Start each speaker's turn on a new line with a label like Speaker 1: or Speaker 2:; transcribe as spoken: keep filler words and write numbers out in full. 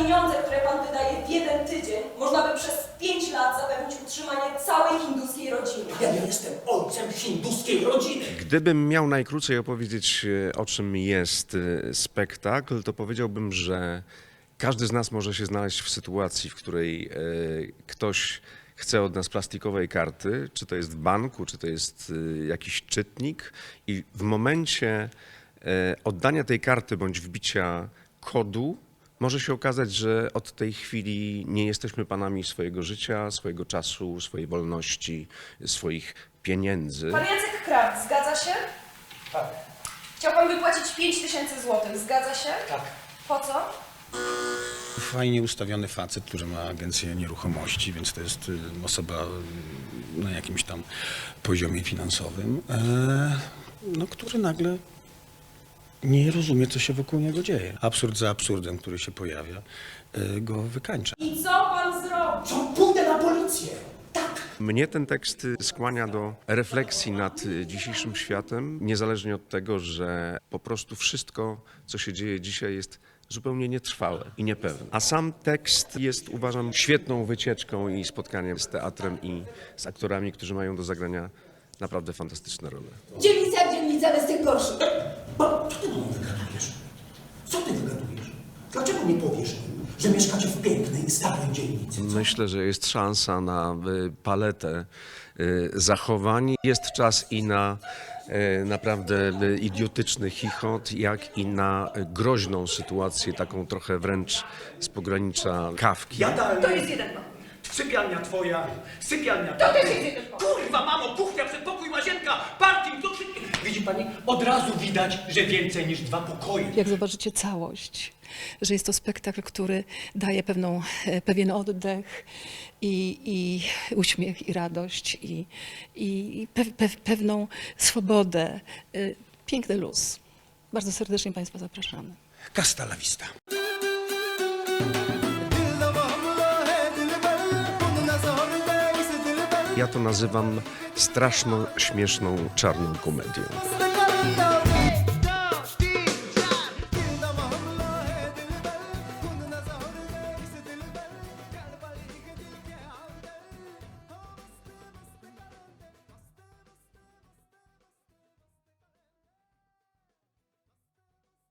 Speaker 1: pieniądze, które pan wydaje w jeden tydzień, można by przez pięć lat zapewnić utrzymanie całej hinduskiej rodziny.
Speaker 2: Ja nie jestem ojcem hinduskiej rodziny.
Speaker 3: Gdybym miał najkrócej opowiedzieć, e, o czym jest e, spektakl, to powiedziałbym, że każdy z nas może się znaleźć w sytuacji, w której e, ktoś chce od nas plastikowej karty, czy to jest w banku, czy to jest e, jakiś czytnik, i w momencie e, oddania tej karty bądź wbicia kodu może się okazać, że od tej chwili nie jesteśmy panami swojego życia, swojego czasu, swojej wolności, swoich pieniędzy.
Speaker 1: Pan Jacek Kraft, zgadza się?
Speaker 2: Tak,
Speaker 1: Chciał pan wypłacić pięć tysięcy złotych, zgadza się?
Speaker 2: tak.
Speaker 1: Po co?
Speaker 4: Fajnie ustawiony facet, który ma agencję nieruchomości, więc to jest y, osoba y, na jakimś tam poziomie finansowym, e, no, który nagle nie rozumie, co się wokół niego dzieje. Absurd za absurdem, który się pojawia, y, go wykańcza.
Speaker 1: I co pan zrobi?
Speaker 2: Co? Pójdę na policję. Tak.
Speaker 3: Mnie ten tekst skłania do refleksji nad dzisiejszym światem, niezależnie od tego, że po prostu wszystko, co się dzieje dzisiaj, jest zupełnie nietrwałe i niepewne. A sam tekst jest, uważam, świetną wycieczką i spotkaniem z teatrem i z aktorami, którzy mają do zagrania naprawdę fantastyczne role.
Speaker 5: Dzielnica jak dzielnica, ale z tych gorszych.
Speaker 2: Bo co ty do mnie wygadujesz? Co ty wygadujesz? Dlaczego nie powiesz im, że mieszkacie w pięknej, starej dzielnicy?
Speaker 3: Myślę, że jest szansa na y, paletę y, zachowań. Jest czas i na y, naprawdę y, idiotyczny chichot, jak i na y, groźną sytuację, taką trochę wręcz z pogranicza Kafki.
Speaker 2: Jadalnia.
Speaker 1: To jest jeden pokój.
Speaker 2: Sypialnia twoja, sypialnia
Speaker 1: To
Speaker 2: taty.
Speaker 1: też jest jeden pokój.
Speaker 2: Kurwa, mamo, kuchnia, przedpokój, łazienka, parking, to wszystko. Widzi pani? Od razu widać, że więcej niż dwa pokoje.
Speaker 6: Jak zobaczycie całość, że jest to spektakl, który daje pewną, e, pewien oddech i, i uśmiech, i radość, i, i pe, pe, pewną swobodę. E, Piękny luz. Bardzo serdecznie Państwa zapraszamy.
Speaker 4: Hasta la vista.
Speaker 3: Ja to nazywam straszną, śmieszną, czarną komedią.